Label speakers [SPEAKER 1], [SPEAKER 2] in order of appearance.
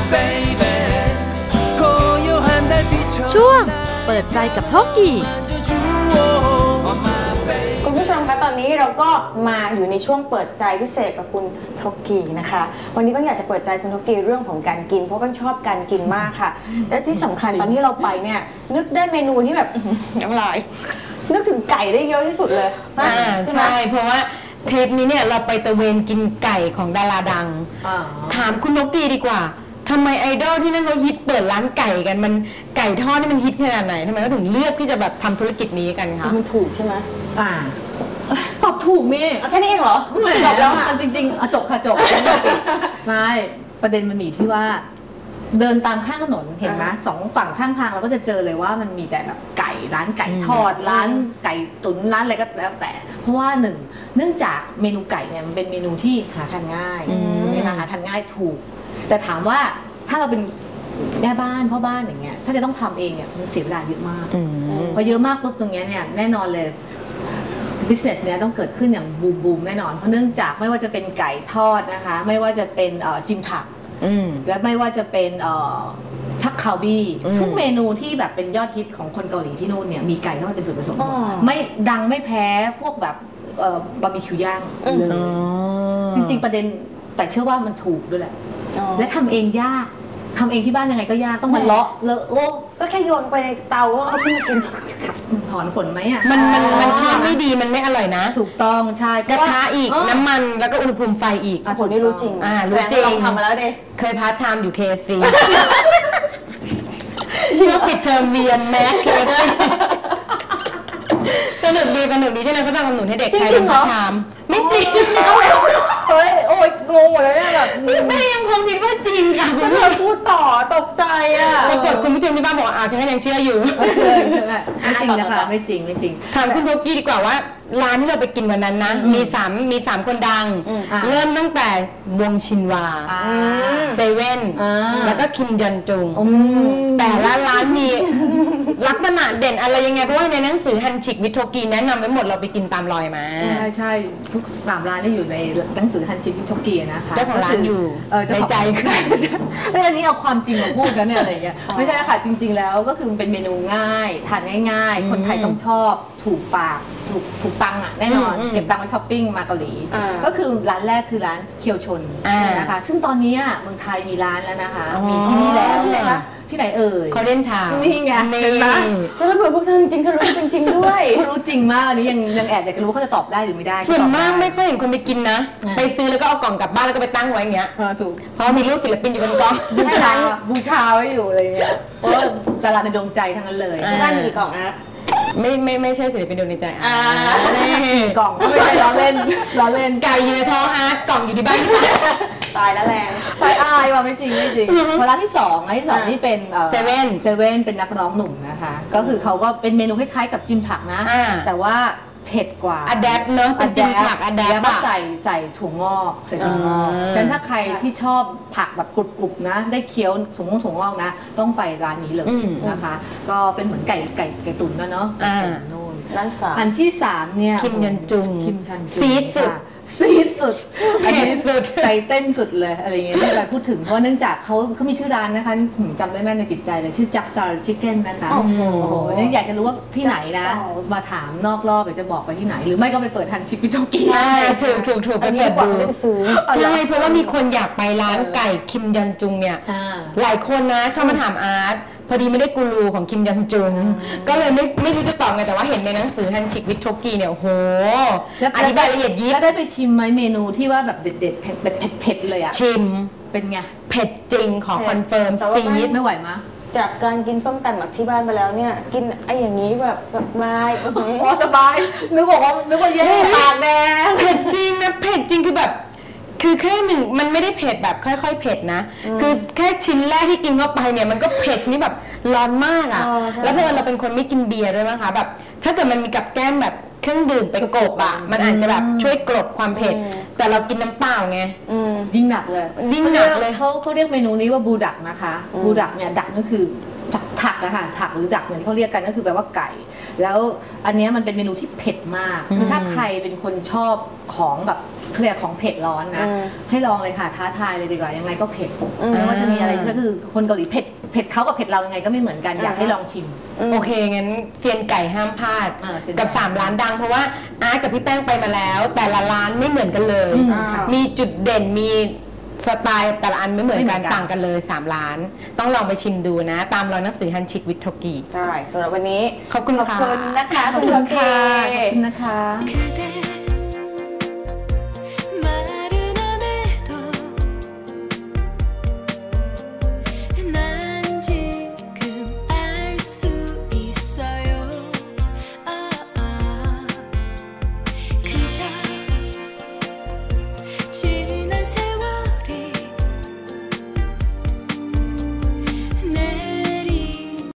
[SPEAKER 1] ช่วงเปิดใจกับโทกิ
[SPEAKER 2] คุณผู้ชมคะตอนนี้เราก็มาอยู่ในช่วงเปิดใจพิเศษกับคุณโทกินะคะวันนี้ก็อยากจะเปิดใจคุณโทกิเรื่องของการกินเพราะก็ชอบการกินมากค่ะและที่สำคัญตอนที่เราไปเนี่ยนึกได้เมนูที่แบบน้ำลายนึกถึงไก่ได้เยอะที่สุดเลย
[SPEAKER 3] ใช่เพราะว่าเทปนี้เนี่ยเราไปตะเวนกินไก่ของดาราดังถามคุณนกดีดีกว่าทำไมไอดอลที่นั่นเขาฮิตเปิดร้านไก่กันมันไก่ทอดนี่มันฮิตขนาดไหนทำไมเขาถึงเลือกที่จะแบบทำธุรกิจนี้กันคะ
[SPEAKER 2] มันถูกใช่ไหม
[SPEAKER 4] ตอบถูกนี่
[SPEAKER 2] แค่นี้เองเหรอ
[SPEAKER 4] จบแล้วจริงๆจบค่ะจบไม่ประเด็นมันมีที่ว่าเดินตามข้างถนนเห็นไหมสองฝั่งข้างทางเราก็จะเจอเลยว่ามันมีแต่แบบไก่ร้านไก่ทอดร้านไก่ตุ๋นร้านอะไรก็แล้วแต่เพราะว่าเนื่องจากเมนูไก่เนี่ยมันเป็นเมนูที่หาทานง่ายหาทานง่ายถูกแต่ถามว่าถ้าเราเป็นแม่บ้านพ่อบ้านอย่างเงี้ยถ้าจะต้องทำเองเนี่ยมันเสียเวลาเยอะมากพอเยอะมากปุ๊บตรงเนี้ยเนี่ยแน่นอนเลยbusiness เนี่ยต้องเกิดขึ้นอย่างบูมแน่นอนเพราะเนื่องจากไม่ว่าจะเป็นไก่ทอดนะคะไม่ว่าจะเป็นจิมถักและไม่ว่าจะเป็นทักคาวบี้ทุกเมนูที่แบบเป็นยอดฮิตของคนเกาหลีที่นู่นเนี่ยมีไก่เข้ามาเป็นส่วนผสมไม่ดังไม่แพ้พวกแบบบาร์บีคิวย่างเลยจริงๆประเด็นแต่เชื่อว่ามันถูกด้วยแหละและทำเองยากทำเองที่บ้านยังไงก็ยากต้องมาเลาะโอ้
[SPEAKER 2] ก็แค่โยนไปในเตาก็เอาขึ้นมากิน
[SPEAKER 4] ถอนขนไหมอ่ะ
[SPEAKER 3] มันทำไม่ดีมันไม่อร่อยนะ
[SPEAKER 4] ถูกต้องใช่
[SPEAKER 3] กระทะอีกน้ำมันแล้วก็อุณหภูมิไฟอีก
[SPEAKER 2] คนนี้รู้จริง
[SPEAKER 3] รู้จริง
[SPEAKER 2] ลองทำมาแล้วเด้
[SPEAKER 3] เคยพาร์ทไทม์อยู่ KFC ช่วงปิดเทอมเรียนแม็ก KFC สนุกดีที่นั่นเขาทำขนมให้เด็กไทยเป็นพาร์ทไทม์ไม่จริง
[SPEAKER 2] เฮ้ยโอ้ยงงหมดเลยแบบ
[SPEAKER 3] แม่ยังคงคิดว่าจริงค่ะ
[SPEAKER 2] คุณเธอพูดต่อตกใจอ่ะ
[SPEAKER 3] ปรากฏคุณผู้ชมที่บ้านบอกอ้าวฉันยังเชื่ออยู่
[SPEAKER 4] ใช่ไหมไม่จริงนะคะไม่จริง
[SPEAKER 3] ถามคุณโทกี้ดีกว่าว่าร้านที่เราไปกินวันนั้นนะมี3คนดังเริ่มตั้งแต่วงชินวาเซเว่นแล้วก็คิมยอนจุงแต่ละร้านมีลักษณะเด่นอะไรยังไงเพราะว่าในหนังสือฮันชิกวิทโทกีแนะนำไว้หมดเราไปกินตามรอยมา
[SPEAKER 4] ใช่ทุก3ร้านที่อยู่ในหนังสือฮันชิกวิทโทกีนะคะ
[SPEAKER 3] เจ้าของร้านอยู่ในใจคือ
[SPEAKER 4] อันนี้เอาความจริงมาพูดกันเนี่ยอะไรเงี้ยไม่ใช่ค่ะจริงๆแล้วก็คือเป็นเมนูง่ายทานง่ายๆคนไทยต้องชอบถูกปากถูกตังค์อ่ะแน่นอนเก็บตังค์มาช้อปปิ้งมาเกาหลีก็คือร้านแรกคือร้านเคียวชนนะคะซึ่งตอนนี้เมืองไทยมีร้านแล้วนะคะมีที่นี่แล้วที่ไหนคะที่ไหนเอ่ย
[SPEAKER 3] เขาเล่นทาง
[SPEAKER 4] นี่ไง
[SPEAKER 2] เห็นไหมแล้วเผื่อพวกเธอจริงๆเธอรู้จริงๆด้วย
[SPEAKER 4] เขารู้จริงมากอันนี้ยังแอบอยากจะรู้เขาจะตอบได้หรือไม่ได้
[SPEAKER 3] ส่วนมากไม่ค่อยเห็นคนไปกินนะไปซื้อแล้วก็เอากล่องกลับบ้านแล้วก็ไปตั้งไว้อย่างเงี้ย
[SPEAKER 4] ถูก
[SPEAKER 3] เพราะมีรูปศิลปินอยู่บนกล่อง
[SPEAKER 4] บูชาไว้อยู่อะไรเงี้ยเพราะดาราในดวงใจทั้งนั้นเลย
[SPEAKER 2] บ้านมีกี่กล่องนะ
[SPEAKER 3] ไม่ใช่ศิลปินดวงใจ
[SPEAKER 4] กล่องไม่ใช่ล้อเล่น
[SPEAKER 3] ไก่อยู่ในท้องกล่องอยู่ที่บ้าน
[SPEAKER 2] ตายแล้วแรง
[SPEAKER 4] ไปอายว่ะไม่จริงร้านที่2นี่เป็น
[SPEAKER 3] เซเว่
[SPEAKER 4] นเป็นนักร้องหนุ่มนะคะก็คือเขาก็เป็นเมนูคล้ายๆกับจิมถักนะแต่ว่าเผ็ดกว่า
[SPEAKER 3] อะแดปเนอะเป็นจิมผักอะแดป
[SPEAKER 4] แล้วก็ใส่ถั่วงอกฉะนั้นถ้าใครที่ชอบผักแบบกรุบๆนะได้เคี้ยวถั่วงอกนะต้องไปร้านนี้เลยนะคะก็เป็นเหมือนไก่ตุ๋นเนาะนู่น
[SPEAKER 2] ร้าน3
[SPEAKER 4] อันที่3เนี่ย
[SPEAKER 3] คิมยันจุง
[SPEAKER 4] ซีดสุดอันนี้ใจเต้นสุดเลยอะไรเงี้ยที่เราพูดถึงเพราะเนื่องจากเขามีชื่อร้านนะคะผมจำได้แม่ในจิตใจเลยชื่อจักซาร์ชิคเก้นนะคะโอ้โหอยากจะรู้ว่าที่ไหนนะมาถามนอกรอบเดี๋ยวจะบอกไปที่ไหนหรือไม่ก็ไปเปิดทันชิควิโตกิ
[SPEAKER 3] ถูกไปเปิดดูใช่เพราะว่ามีคนอยากไปร้านไก่คิมยันจุงเนี่ยหลายคนนะชอบมาถามอาร์ตพอดีไม่ได้กูรูของคิมยันจุงก็เลยไม่รู้จะตอบไงแต่ว่าเห็นในหนังสือฮันชิกวิทโทกีเนี่ยโอ้โหอธิบายละเอียดยิบ
[SPEAKER 4] แล้วได้ไปชิมไหมเมนูที่ว่าแบบเด็ดๆเผ็ดเลยอ่ะ
[SPEAKER 3] ชิม
[SPEAKER 4] เป็นไง
[SPEAKER 3] เผ็ดจริงขอคอนเฟิร์ม
[SPEAKER 4] ซีดไม่ไหวมั้ย
[SPEAKER 2] จากการกินส้มตำแบบที่บ้านไปแล้วเนี่ยกินไอ้อย่างนี้แบบสบาย
[SPEAKER 4] สบายนึกว่าเย้ปากแดง
[SPEAKER 3] เผ็ดจริงนะเผ็ดจริงคือแบบคือแค่หนึ่งมันไม่ได้เผ็ดแบบค่อยๆเผ็ดนะคือแค่ชิ้นแรกที่กินเข้าไปเนี่ยมันก็เผ็ดชนิดแบบร้อนมากอ่ะแล้วเพราะเราเป็นคนไม่กินเบียร์ด้วยมั้งคะแบบถ้าเกิดมันมีกับแก้มแบบเครื่องดื่มไปกลบอ่ะมันอาจจะแบบช่วยกลบความเผ็ดแต่เรากินน้ำเปล่าไง
[SPEAKER 4] ยิ่งหนักเลยเขาเรียกเมนูนี้ว่าบูดักนะคะบูดักเนี่ยดักก็คือถักอะค่ะถักหรือดักเหมือนเขาเรียกกันก็คือแปลว่าไก่แล้วอันนี้มันเป็นเมนูที่เผ็ดมากคือถ้าใครเป็นคนชอบของแบบเคลียร์ของเผ็ดร้อนนะ ให้ลองเลยค่ะท้าทายเลยดีกว่ายังไงก็เผ็ดไม่ว่าจะมีอะไรก็คือคนเกาหลีเผ็ดเขากับเผ็ดเรายังไงก็ไม่เหมือนกันอยากให้ลองชิม
[SPEAKER 3] โอเคงั้นเซียนไก่ห้ามพลาด
[SPEAKER 4] เซียนไก่
[SPEAKER 3] กับ3ร้านดังเพราะว่าอาร์ตกับพี่แป้งไปมาแล้ว แต่ละร้านไม่เหมือนกันเลย มีจุดเด่นมีสไตล์แต่ละอันไม่เหมือนกันต่างกันเลย3ร้าน ต้องลองไปชิมดูนะ ตามรอยหนังสือฮันชิกวิทโทกิ
[SPEAKER 2] ใช่สำหรับวันนี้
[SPEAKER 3] ขอบคุณ
[SPEAKER 2] ขอบ
[SPEAKER 3] ค่ะ
[SPEAKER 2] คุณนะคะคุณโทกิ
[SPEAKER 4] ขอบคุณนะคะ